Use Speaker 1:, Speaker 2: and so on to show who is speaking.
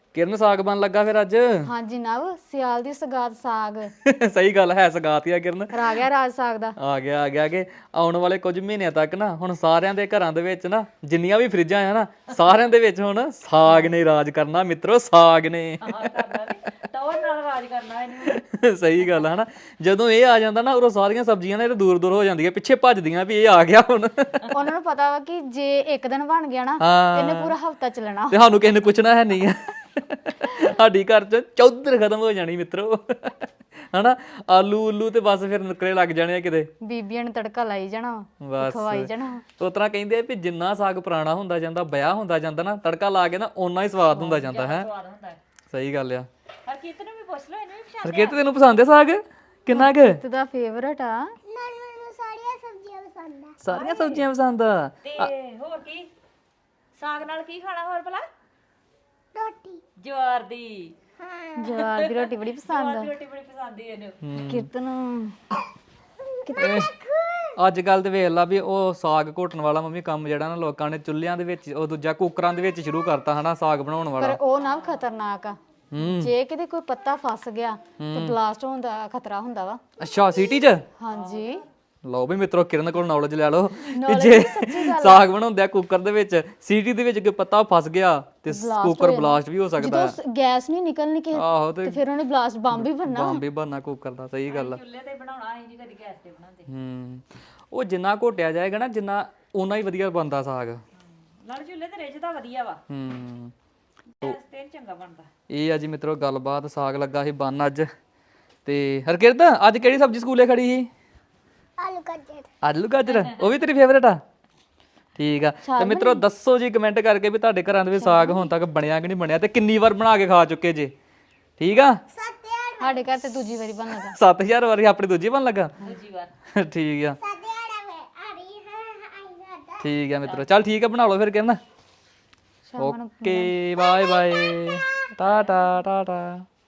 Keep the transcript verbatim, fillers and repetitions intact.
Speaker 1: ਕਿਰਨ ਸਾਗ ਬਣ ਲੱਗਾ ਫਿਰ ਅੱਜ?
Speaker 2: ਹਾਂਜੀ ਨਵ, ਸਿਆਲ ਦੀ ਸਗਾਤ ਸਾਗ।
Speaker 1: ਸਹੀ ਗੱਲ ਹੈ, ਸਗਾਤ ਹੀ ਆ ਕਿਰਨ।
Speaker 2: ਆ ਗਿਆ ਰਾਜ ਸਾਗ ਦਾ।
Speaker 1: ਆ ਗਿਆ ਆ ਗਿਆ ਕਿ ਆਉਣ ਵਾਲੇ ਕੁਝ ਮਹੀਨਿਆਂ ਤੱਕ ਨਾ ਹੁਣ ਸਾਰਿਆਂ ਦੇ ਘਰਾਂ ਦੇ ਵਿੱਚ ਨਾ ਜਿੰਨੀਆਂ ਵੀ ਫਰਿੱਜਾਂ ਆ ਨਾ ਸਾਰਿਆਂ ਦੇ ਵਿੱਚ ਹੁਣ ਸਾਗ ਨੇ ਰਾਜ ਕਰਨਾ ਮਿੱਤਰੋ, ਸਾਗ ਨੇ।
Speaker 3: ਟੌਰ ਨਾਲ ਰਾਜ ਕਰਨਾ ਇਹਨੂੰ।
Speaker 1: ਸਹੀ ਗੱਲ ਹੈ ਨਾ, ਜਦੋਂ ਇਹ ਆ ਜਾਂਦਾ ਨਾ ਉਦੋਂ ਸਾਰੀਆਂ ਸਬਜ਼ੀਆਂ ਨੇ ਦੂਰ ਦੂਰ ਹੋ ਜਾਂਦੀਆਂ, ਪਿੱਛੇ ਭੱਜਦੀਆਂ ਵੀ ਇਹ ਆ ਗਿਆ ਹੁਣ।
Speaker 2: ਉਹਨਾਂ ਨੂੰ ਪਤਾ ਵਾ ਕਿ ਜੇ ਇੱਕ ਦਿਨ ਬਣ ਗਿਆ ਨਾ
Speaker 1: ਹਾਂ।
Speaker 2: ਇਹਨੇ ਪੂਰਾ ਹਫਤਾ ਚੱਲਣਾ।
Speaker 1: ਤੇ ਸਾਨੂੰ ਕਿਸੇ ਨੇ ਪੁੱਛਣਾ ਹੈ ਨਹੀਂ ਆ। ਸਾਡੀ ਘਰ ਚ ਚੌਧਰ ਖਤਮ ਹੋ ਜਾਣੀ ਮਿੱਤਰੋ, ਹਨਾ। ਆਲੂ ਉਲੂ ਤੇ ਬਸ ਫਿਰ ਨੁਕਰੇ ਲੱਗ ਜਾਣੇ ਆ ਕਿਤੇ।
Speaker 2: ਬੀਬੀਆਂ ਨੇ ਤੜਕਾ ਲਾਈ ਜਾਣਾ,
Speaker 1: ਬਸ
Speaker 2: ਖਵਾਈ ਜਾਣਾ।
Speaker 1: ਉਸ ਤਰ੍ਹਾਂ ਕਹਿੰਦੇ ਆ ਵੀ ਜਿੰਨਾ ਸਾਗ ਪੁਰਾਣਾ ਹੁੰਦਾ ਜਾਂਦਾ, ਵਿਆਹ ਹੁੰਦਾ ਜਾਂਦਾ ਨਾ, ਤੜਕਾ ਲਾ ਕੇ ਨਾ ਓਨਾ ਹੀ ਸਵਾਦ ਹੁੰਦਾ ਜਾਂਦਾ ਹੈ।
Speaker 3: ਸਵਾਦ ਹੁੰਦਾ ਹੈ।
Speaker 1: ਸਹੀ ਗੱਲ ਆ।
Speaker 3: ਹਰਕੀਤ ਨੂੰ ਵੀ ਪੁੱਛ ਲਓ, ਇਹਨੂੰ ਵੀ ਪਛਾਣ।
Speaker 1: ਹਰਕੀਤ ਤੈਨੂੰ ਪਸੰਦ ਹੈ ਸਾਗ ਕਿੰਨਾ ਕੁ?
Speaker 2: ਤੇ ਦਾ ਫੇਵਰਟ ਆ।
Speaker 4: ਮੈਨੂੰ ਸਾਰੀਆਂ ਸਬਜ਼ੀਆਂ ਪਸੰਦ ਆ।
Speaker 1: ਸਾਰੀਆਂ ਸਬਜ਼ੀਆਂ ਪਸੰਦ ਆ।
Speaker 3: ਤੇ ਹੋਰ ਕੀ ਸਾਗ ਨਾਲ ਕੀ ਖਾਣਾ ਹੋਰ ਭਲਾ?
Speaker 4: ਰੋਟੀ।
Speaker 3: ਜਵਾਰ ਦੀ।
Speaker 4: ਹਾਂ।
Speaker 2: ਜਵਾਰ ਦੀ ਰੋਟੀ ਬੜੀ ਪਸੰਦ
Speaker 3: ਜਵਾਰ
Speaker 2: ਆ
Speaker 3: ਦੀ ਰੋਟੀ ਬੜੀ ਪਸੰਦ ਹੈ ਇਹਨੂੰ।
Speaker 2: ਕੀਰਤਨ।
Speaker 1: ਅੱਜ ਕੱਲ ਤੇ ਵੇਖ ਲਾ ਵੀ ਉਹ ਸਾਗ ਘੋਟਣ ਵਾਲਾ ਮੰਮੀ ਕੰਮ ਜਿਹੜਾ ਨਾ ਲੋਕਾਂ ਨੇ ਚੁੱਲ੍ਹਿਆਂ ਦੇ ਵਿੱਚ, ਉਹ ਦੂਜਾ ਕੁੱਕਰਾਂ ਦੇ ਵਿੱਚ ਸ਼ੁਰੂ ਕਰਤਾ ਹਨਾ ਸਾਗ ਬਣਾਉਣ
Speaker 2: ਪਰ
Speaker 1: ਵਾਲਾ।
Speaker 2: ਉਹ ਨਾ ਖਤਰਨਾਕ ਆ।
Speaker 1: ਹੂੰ।
Speaker 2: ਜੇ ਕਿਤੇ ਕੋਈ ਪੱਤਾ ਫਸ ਗਿਆ ਤੇ ਬਲਾਸਟ ਹੋਣ ਦਾ ਖਤਰਾ ਹੁੰਦਾ ਵਾ।
Speaker 1: ਅੱਛਾ ਸਿਟੀ ਚ?
Speaker 2: ਹਾਂਜੀ।
Speaker 1: ਲਓ ਵੀ ਮਿੱਤਰੋ, ਕਿਰਨ ਕੋਲ ਨੌਲੇਜ ਲੈ ਲਓ ਕਿ
Speaker 2: Knowledge
Speaker 1: ਜੇ
Speaker 2: ਸੱਚੀ ਗੱਲ ਆ।
Speaker 1: ਸਾਗ ਬਣਾਉਂਦੇ ਆ ਕੁੱਕਰ ਦੇ ਵਿੱਚ, ਸੀਟੀ ਦੇ ਵਿੱਚ ਕੋਈ ਪੱਤਾ ਫਸ ਗਿਆ ਤੇ
Speaker 2: Blast
Speaker 1: ਕੁੱਕਰ
Speaker 2: ਹੋ
Speaker 1: ਬਲਾਸਟ ਵੀ ਹੋ ਸਕਦਾ ਹੈ।
Speaker 2: ਜਦੋਂ ਗੈਸ ਨਹੀਂ ਨਿਕਲਣੀ ਕਿ
Speaker 1: ਆਹੋ ਤੇ
Speaker 2: ਤੇ ਫਿਰ ਉਹਨੇ ਬਲਾਸਟ ਬੰਬ ਹੀ ਬਣਨਾ।
Speaker 1: ਬੰਬ ਹੀ ਬਣਨਾ ਕੁੱਕਰ ਦਾ। ਸਹੀ ਗੱਲ ਆ।
Speaker 3: ਚੁੱਲ੍ਹੇ ਤੇ ਬਣਾਉਣਾ, ਅਸੀਂ ਨਹੀਂ ਕਦੀ ਗੈਸ ਤੇ ਬਣਾਉਂਦੇ।
Speaker 1: ਹੂੰ। ਉਹ ਜਿੰਨਾ ਘੋਟਿਆ ਜਾਏਗਾ ਨਾ ਜਿੰਨਾ ਓਨਾ ਹੀ ਵਧੀਆ ਬਣਦਾ ਸਾਗ।
Speaker 3: ਨਾਲ ਚੁੱਲ੍ਹੇ ਤੇ ਰਿੱਝਦਾ ਵਧੀਆ ਵਾ,
Speaker 1: ਹੂੰ।
Speaker 3: ਗੈਸ ਤੇ ਨੀ ਚੰਗਾ ਬਣਦਾ।
Speaker 1: ਇਹ ਆ ਜੀ ਮਿੱਤਰੋ ਗੱਲਬਾਤ। ਸਾਗ ਲੱਗਾ ਸੀ ਬਣ ਅੱਜ। ਤੇ ਹਰਕਿਰਤ ਅੱਜ ਕਿਹੜੀ ਸਬਜ਼ੀ ਸਕੂਲੇ ਖੜੀ ਸੀ?
Speaker 4: ਆਲੂ ਗਾਜਰ।
Speaker 1: ਆਲੂ ਗਾਜਰ? ਉਹ ਵੀ ਤੇਰੀ ਫੇਵਰੇਟ ਆ? ਠੀਕ ਆ। ਤੇ ਮਿੱਤਰੋ ਦੱਸੋ ਜੀ ਕਮੈਂਟ ਕਰਕੇ ਵੀ ਤੁਹਾਡੇ ਘਰਾਂ ਦੇ ਵਿੱਚ ਸਾਗ ਹੁਣ ਤੱਕ ਬਣਿਆ ਕਿ ਨਹੀਂ ਬਣਿਆ, ਤੇ ਕਿੰਨੀ ਵਾਰ ਬਣਾ ਕੇ ਖਾ ਚੁੱਕੇ ਜੇ। ਠੀਕ ਆ।
Speaker 2: ਸਾਡੇ ਘਰ ਤੇ ਦੂਜੀ ਵਾਰੀ ਬਣ ਲੱਗਾ।
Speaker 1: ਸੱਤ ਹਜ਼ਾਰ ਵਾਰੀ ਆਪਣੀ ਦੂਜੀ ਬਣ ਲੱਗਾ।
Speaker 3: ਦੂਜੀ ਵਾਰ।
Speaker 1: ਠੀਕ ਆ।
Speaker 4: ਸਾਡੇ ਆੜਾ ਵੇ ਆ ਰਹੀ ਹਾਂ ਆਈ ਗਾ।
Speaker 1: ਠੀਕ ਆ ਮਿੱਤਰੋ, ਚੱਲ ਠੀਕ ਆ, ਬਣਾ ਲਓ ਫਿਰ ਕਿਰਨ।
Speaker 2: ਸ਼ਾਮ ਨੂੰ
Speaker 1: okay bye bye, tata Tata.